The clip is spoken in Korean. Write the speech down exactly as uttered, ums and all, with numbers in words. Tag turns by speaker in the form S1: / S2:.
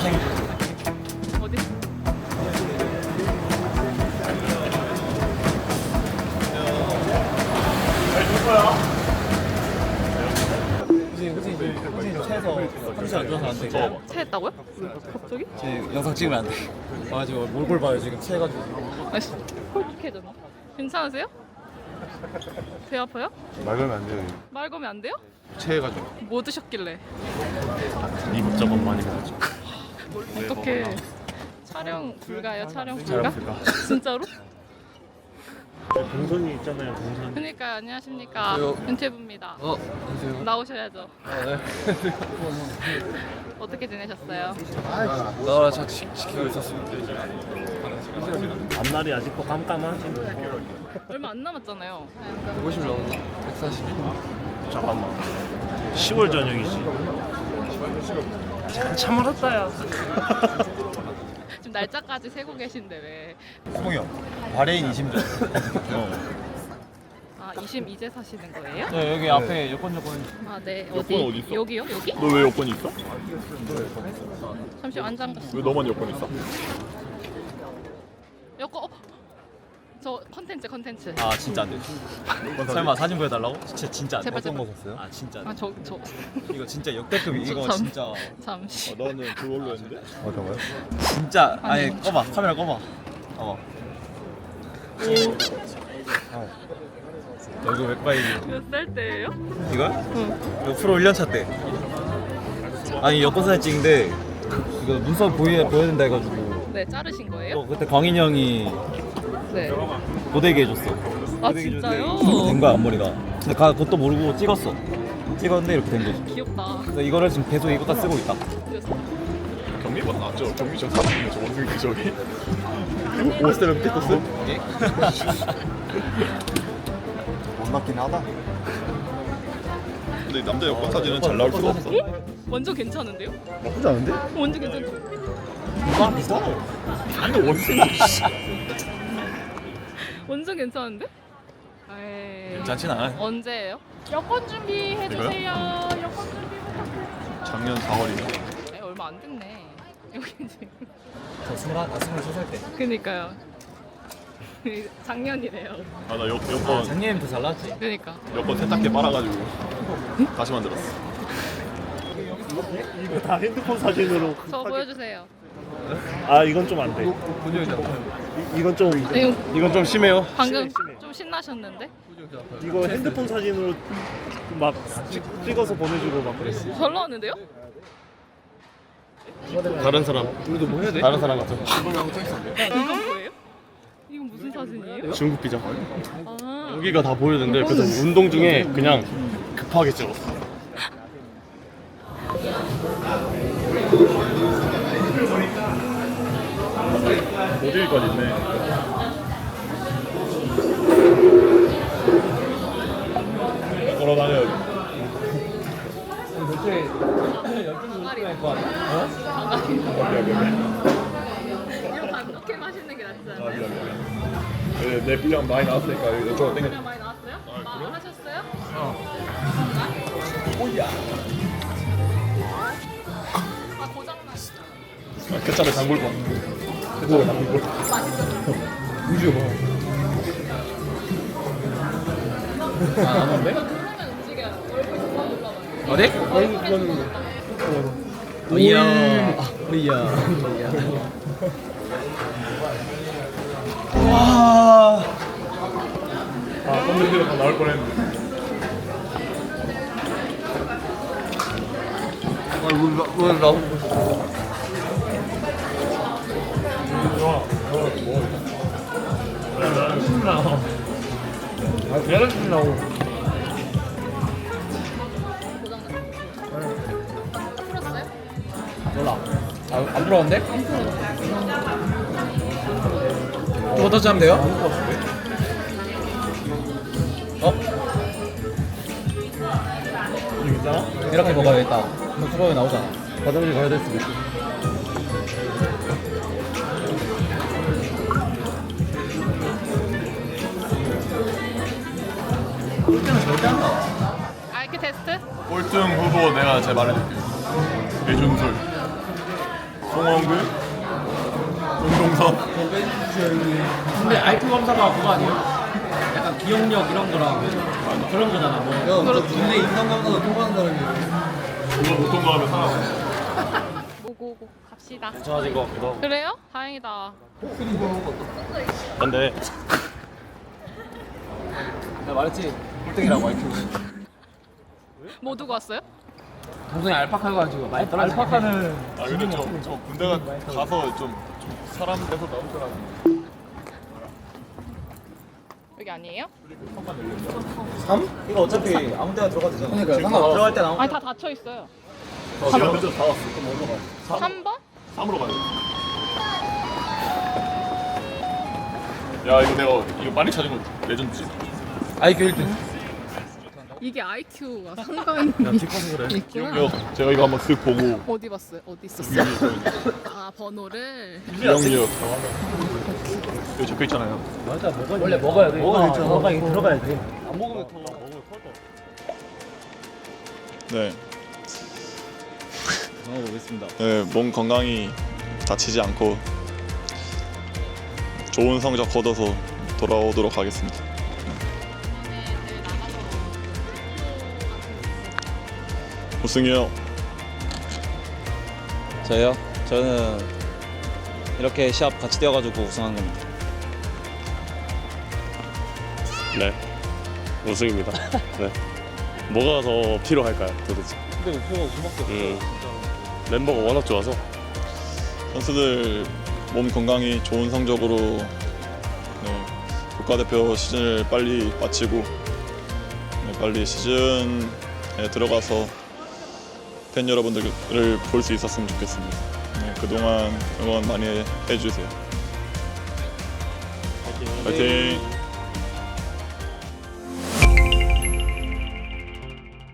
S1: 생.
S2: 어디?
S1: 혹시 혹시 혹시 체해서 컨디션 안 좋아서 안 돼.
S2: 체했다고요? 갑자기?
S1: 제 영상 찍으면 안 돼. 와가지고 몰골 봐요 지금 체해가지고.
S2: 아씨, 홀쭉해졌나? 괜찮으세요? 배 아파요?
S3: 말 걸면 안 돼요.
S2: 말 거면 안 돼요?
S3: 체해가지고
S2: 뭐 드셨길래?
S3: 이것저것 많이 먹었죠.
S2: 어떻게 촬영 불가요? 촬영 불가?
S3: 촬영 불가.
S2: 진짜로?
S3: 동선이 있잖아요. 동선.
S2: 그러니까 안녕하십니까
S1: 안녕하세요.
S2: 윤태부입니다.
S1: 어 안녕하세요.
S2: 나오셔야죠.
S1: 아, 네.
S2: 어떻게 지내셨어요?
S1: 나라 잘 지키고 있었습니다.
S3: 앞날이 아직도 깜깜하지.
S2: 얼마 안 남았잖아요.
S1: 백오십 나온다. 백사십.
S3: 잠깐만. 시월 저녁이지. 참 멀었다야.
S2: 지금 날짜까지 세고 계신데 왜?
S1: 수봉이 형. 바레인 이심전.
S2: 아 이심 이제 사시는 거예요?
S1: 네 여기 앞에 여권 여권.
S2: 아 네.
S3: 여권
S2: 어디?
S3: 어디 있어?
S2: 여기요? 여기?
S3: 너 왜 여권 있어?
S2: 잠시 안 잠갔어.
S3: 왜 너만 여권 있어?
S2: 여권. 어. 저 컨텐츠 컨텐츠.
S1: 아 진짜 안 돼. 설마 사진 보여달라고? 진짜 진짜 안 돼.
S2: 제발, 제발.
S1: 어떤 거 샀어요? 아 진짜 안 돼.
S2: 아 저 저
S1: 이거 진짜 역대급 이거
S2: 참.
S1: 진짜
S2: 잠시.
S3: 나는 그걸로 했는데. 어떤 거요?
S1: 진짜 아니 꺼봐 카메라 꺼봐. 어. 어. 이거 맥바이디.
S2: 몇 살 때예요?
S1: 이거?
S2: 응.
S1: 이거 프로 일 년 차 때. 아니 여권 사진 찍는데 이거 눈썹 보여 보여야 된다 해가지고.
S2: 네 자르신 거예요?
S1: 어, 그때 광인 형이
S2: 네.
S1: 고데기 해줬어.
S2: 아
S1: 고데기
S2: 진짜요?
S1: 해줬는데 이렇게 된 거야 앞머리가. 근데 가 그것도 모르고 찍었어. 찍었는데 이렇게 된 거지.
S2: 귀엽다.
S1: 그래서 이거를 지금 계속 이거다 쓰고 있다.
S3: 경미 맞죠? 경미 저 사람이네 저 원숭이 저기. 오스트레 피커스?
S1: 못 맞긴 하다.
S3: 근데 남자 여권 사진은 잘 나올 수가 없어.
S2: 완전 괜찮은데요?
S3: 나쁘지 않은데?
S2: 완전 괜찮죠?
S3: 아 비싸. 근데 원숭이.
S2: 완전 괜찮은데? 에이.
S1: 괜찮진 않아.
S2: 언제예요? 여권 준비해 주세요. 여권 준비 부탁드려요.
S3: 작년 사월이네.
S2: 에이, 얼마 안 됐네. 여기 지금.
S1: 저 스물한, 아 스물세 살 때.
S2: 그니까요. 작년이래요.
S3: 아나
S1: 아,
S3: 여권
S1: 작년이 더 잘 나왔지.
S2: 그니까.
S3: 여권 세탁기 빨아가지고 다시 만들었어. 이거 다 핸드폰 사진으로.
S2: 저 보여주세요.
S3: 아 이건 좀 안 돼.
S1: 본적이잖아.
S3: 이건 좀
S2: 이거
S3: 이건 좀 심해요.
S2: 방금
S3: 심해, 심해.
S2: 좀 신나셨는데?
S3: 이거 핸드폰 사진으로 막 찍, 찍어서 보내주고 막 그랬어.
S2: 잘 나왔는데요?
S3: 다른 사람.
S1: 우리도 뭐 해야 돼?
S3: 다른 사람 같아.
S2: 이건 뭐예요? 이건 무슨 사진이에요?
S3: 중국 기자.
S2: 아,
S3: 여기가 다 보여는데 그래서 운동 중에 그냥 급하게 찍었어. 모델까지 있네. 걸어 다녀야지.
S2: 장아리.
S1: 거 아니야? 어?
S2: 장아리. 이거 반독해 마시는 게 낫지 않아요?
S3: 내, 내 분량 많이 나왔으니까 이쪽으로 땡겨.
S2: 그냥 많이 나왔어요? 아, 하셨어요?
S1: 오야.
S2: 아, 고장났어.
S3: ketchup 장볼 거. ketchup 장볼 거. 우주 봐.
S1: 아, 안 온대?
S2: 그러면 움직여요. 얼굴 그만 올라가요.
S1: 어디?
S3: 얼굴 그거는
S1: 오야. 오야. 와.
S3: 아 콘텐츠가 다 나올 뻔했는데.
S1: 아, 왜, 왜 나오고
S3: 아 계란 신나고.
S2: 풀었어요?
S1: 몰라. 아, 안 부러운데? 또 터치 하면 돼요? 어?
S3: 이거 있잖아.
S1: 이렇게 먹어야겠다. 수박이 나오잖아.
S3: 화장실 가야 될 수도 있어.
S1: 꼴등은 절대 안 나와.
S2: 아이큐 테스트?
S3: 꼴등 후보 내가 제 말해줄게. 배준솔, 송원 강원군 운동선.
S4: 근데 아이큐 검사가 그거 아니에요? 약간 기억력 이런 거랑 그런 거잖아. 뭐.
S5: 야, 너 국내 인성감사도 통과한 사람이야.
S3: 그걸 못 통과하면 살아.
S2: 오고오고 갑시다.
S1: 괜찮아진 것 같기도 하고.
S2: 그래요? 다행이다.
S3: 근데
S5: 나 말했지. 꼴등이라고 아이큐.
S2: 뭐 두고 왔어요?
S4: 동생이 알파카가 가지고 많이 떨어지. 알파카는
S3: 아 근데 저, 저 군대 가- 가서 좀, 좀 사람 돼서 나올 줄 알았는데.
S2: 여기 아니에요?
S1: 이거 어차피 아무 데나 들어가도 되잖아.
S5: 그러니까 상관없어.
S1: 들어갈 때 아무
S2: 아니 다 닫혀 있어요.
S3: 시간 늦어서 다 왔어. 그럼 어디로 가?
S2: 삼 번?
S3: 삼으로 가야 돼. 야 이거 내가 이거 빨리 찾은 거 레전드지.
S5: 아이큐 일 등.
S2: 이게 아이큐가 상관이
S1: 뒷거서 그래.
S2: 있구나.
S3: 이거 제가 이거 한번 쓱 보고
S2: 어디 봤어요? 어디 있었어요? 아 번호를.
S3: 기억력 여기 적혀 있잖아요.
S4: 맞아. 먹어. 원래 먹어야 돼.
S5: 먹어야 되죠.
S4: 먹어야 돼. 들어가야 돼.
S1: 안 먹으면 더.
S3: 네,
S1: 먹어보겠습니다.
S3: 네, 몸 건강히 다치지 않고 좋은 성적 거둬서 돌아오도록 하겠습니다. 우승이요.
S1: 저요? 저는 이렇게 시합 같이 뛰어가지고 우승한 겁니다.
S6: 네, 우승입니다. 네. 뭐가 더 필요할까요, 도대체?
S1: 근데 목표가 우승밖에 없어요.
S6: 음, 멤버가 워낙 좋아서.
S3: 선수들 몸 건강히 좋은 성적으로 네, 국가대표 시즌을 빨리 마치고 네, 빨리 시즌에 들어가서 팬 여러분들을 볼 수 있었으면 좋겠습니다. 네, 그동안 응원 많이 해주세요. 화이팅!